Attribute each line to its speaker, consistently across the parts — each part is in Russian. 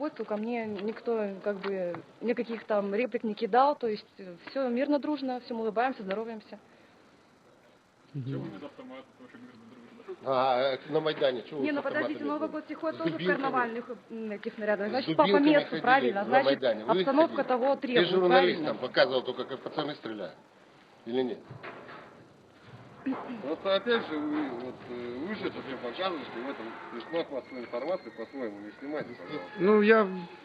Speaker 1: переход, ко мне никто как бы никаких там реплик не кидал, то есть все мирно, дружно, всем улыбаемся, здороваемся.
Speaker 2: А на Майдане чего?
Speaker 1: Не, ну подождите, Новый год приходит тоже в карнавальных таких нарядах.
Speaker 2: С
Speaker 1: Значит, по
Speaker 2: дубинками
Speaker 1: месту,
Speaker 2: ходили
Speaker 1: правильно?
Speaker 2: на
Speaker 1: Значит,
Speaker 2: Майдане. Вы
Speaker 1: обстановка
Speaker 2: ходили?
Speaker 1: того
Speaker 2: Ты
Speaker 1: требует,
Speaker 2: журналистам
Speaker 1: правильно?
Speaker 2: показывал только, как пацаны стреляют. Или нет?
Speaker 3: Просто опять же, вы же это все показываете, в этом присмак массовой информации по-своему не снимайте, пожалуйста.
Speaker 4: Ну, я...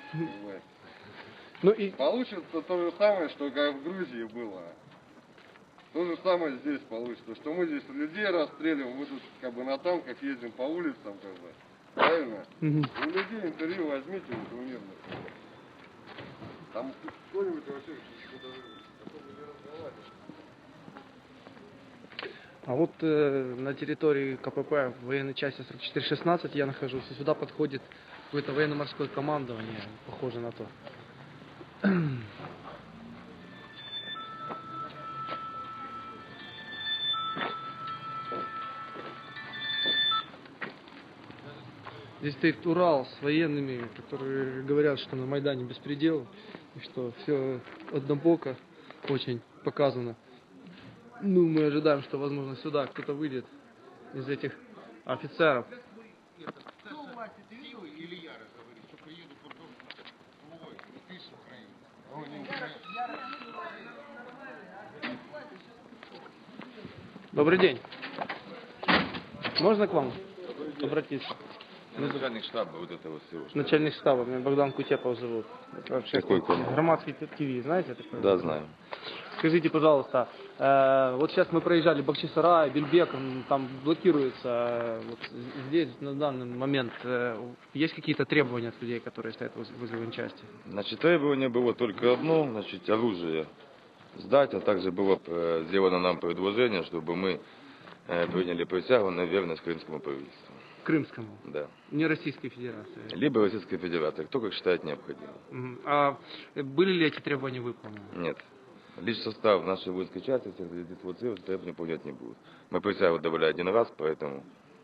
Speaker 4: Ну, и...
Speaker 3: Получится то же самое, что как в Грузии было. То же самое здесь получится, что мы здесь людей расстреливаем, мы тут как бы на танках ездим по улицам, как бы. Правильно? У людей интервью возьмите, вот у мирных. Там кто-нибудь вообще не разговаривает.
Speaker 4: А вот на территории КПП в военной части 4416 я нахожусь, и сюда подходит какое-то военно-морское командование, похоже на то. Здесь стоит Урал с военными, которые говорят, что на Майдане беспредел, и что все однобоко очень показано. Ну, мы ожидаем, что, возможно, сюда кто-то выйдет из этих офицеров.
Speaker 2: Кто у вас это видел? Или Яра говорит, что приеду потом слугой, ты с Украины.
Speaker 4: Добрый день. Можно к вам обратиться?
Speaker 5: Начальник штаба вот этого всего.
Speaker 4: Начальник штаба, меня Богдан Кутепов зовут. Вообще,
Speaker 5: Какой канал?
Speaker 4: Громадский ТВ, знаете такое?
Speaker 5: Да, знаю.
Speaker 4: Скажите, пожалуйста, вот сейчас мы проезжали Бахчисарай, Бельбек, там блокируется, вот здесь на данный момент есть какие-то требования от людей, которые стоят возле военчасти?
Speaker 5: Значит, требование было только одно, значит, оружие сдать, а также было сделано нам предложение, чтобы мы приняли присягу на верность крымскому правительству.
Speaker 4: Крымскому?
Speaker 5: Да.
Speaker 4: Не Российской Федерации?
Speaker 5: Либо Российской Федерации, кто как считает необходимым.
Speaker 4: А были ли эти требования выполнены?
Speaker 5: Нет. Лишь состав нашей воинской части всех дислоцировать требования выполнять не будут. Мы присягу давали один раз, поэтому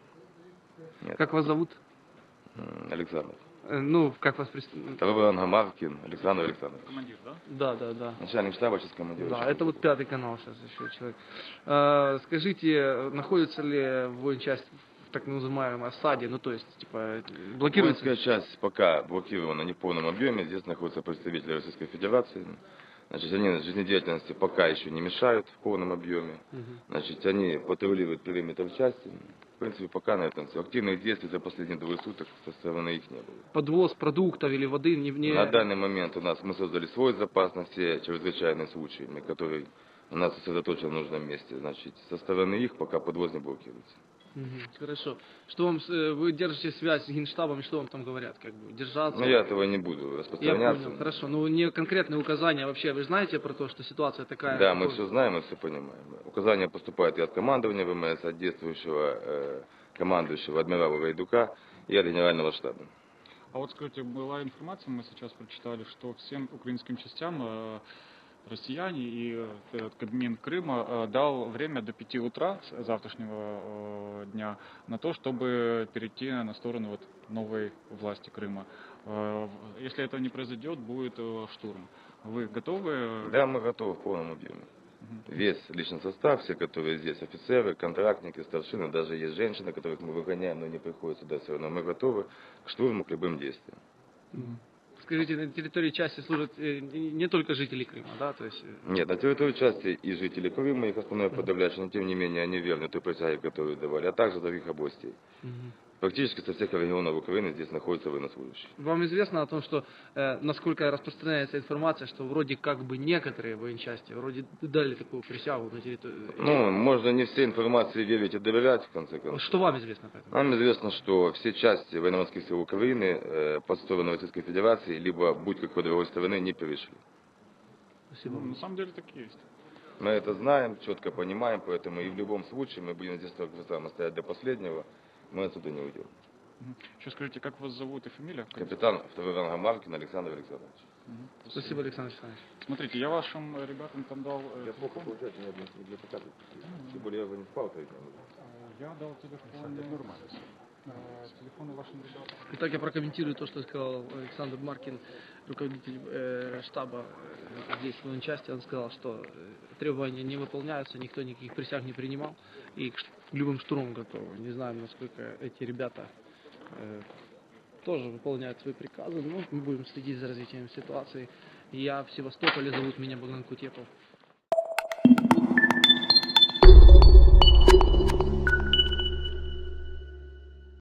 Speaker 5: нет.
Speaker 4: Как вас зовут?
Speaker 5: Александр.
Speaker 4: Ну, как вас
Speaker 5: Второй ранга Маркин Александр Александрович.
Speaker 4: Командир, да? Да.
Speaker 5: Начальник штаба, сейчас командир.
Speaker 4: Да, это вот пятый канал сейчас еще человек. Скажите, находится ли военчасть в так называемой осаде, ну то есть, типа, блокируется?
Speaker 5: Воинская часть пока блокирована не в полном объеме, здесь находятся представители Российской Федерации. Значит, они жизнедеятельности пока еще не мешают в полном объеме. Значит, они патрулируют периметр части. В принципе, пока на этом все. Активных действий за последние 2 суток со стороны их не было.
Speaker 4: Подвоз продуктов или воды не...
Speaker 5: На данный момент у нас мы создали свой запас на все чрезвычайные случаи, который у нас сосредоточен в нужном месте. Значит, со стороны их пока подвоз не блокируется.
Speaker 4: Хорошо. Что вам, вы держите связь с Генштабом, что вам там говорят? Как бы, держаться?
Speaker 5: Ну, я этого не буду распространяться.
Speaker 4: Я понял, хорошо. Ну, не конкретные указания вообще. Вы знаете про то, что ситуация такая?
Speaker 5: Да, мы все знаем, мы все понимаем. Указания поступают и от командования ВМС, от действующего командующего адмирала Гайдука и от генерального штаба.
Speaker 6: А вот скажите, была информация, мы сейчас прочитали, что всем украинским частям россияне и Кабмин Крыма дал время до 5 утра завтрашнего дня на то, чтобы перейти на сторону вот новой власти Крыма. Если это не произойдет, будет штурм. Вы готовы?
Speaker 5: Да, мы готовы в полном объеме. Весь личный состав, все, которые здесь, офицеры, контрактники, старшины, даже есть женщины, которых мы выгоняем, но не приходят сюда все равно. Мы готовы к штурму, к любым действиям.
Speaker 4: Скажите, на территории части служат не только жители Крыма, да? То есть...
Speaker 5: Нет, на территории части и жители Крыма, их основное подавляющее, но тем не менее они верны той присяге, которую давали, а также других областей. Практически со всех регионов Украины здесь находятся военнослужащие.
Speaker 4: Вам известно о том, что, насколько распространяется информация, что вроде как бы некоторые военчасти вроде дали такую присягу на территории...
Speaker 5: Ну, можно не всей информации верить и доверять, в конце концов.
Speaker 4: Что вам известно по этому?
Speaker 5: Нам известно, что все части военно-морских сил Украины под сторону Российской Федерации, либо будь какой другой стороны, не перешли.
Speaker 4: Спасибо.
Speaker 6: На самом деле так и есть.
Speaker 5: Мы это знаем, четко понимаем, поэтому и в любом случае мы будем здесь только стоять до последнего. Мы отсюда не уйдем.
Speaker 6: Еще скажите, как вас зовут и фамилия?
Speaker 5: Капитан второй ранга Маркин Александр Александрович.
Speaker 4: Спасибо, Александр Александрович.
Speaker 6: Смотрите, я вашим ребятам там дал...
Speaker 5: Я плохо получаю, мне для показывать. Тем более я уже не спал 3 дня.
Speaker 6: Я дал телефон... Нормально. телефоны вашим ребятам.
Speaker 4: Итак, я прокомментирую то, что сказал Александр Маркин, руководитель штаба здесь в военной части. Он сказал, что требования не выполняются, никто никаких присяг не принимал и к любым штурмам готовы. Не знаю, насколько эти ребята тоже выполняют свои приказы, но мы будем следить за развитием ситуации. Я в Севастополе, зовут меня Богдан Кутепов.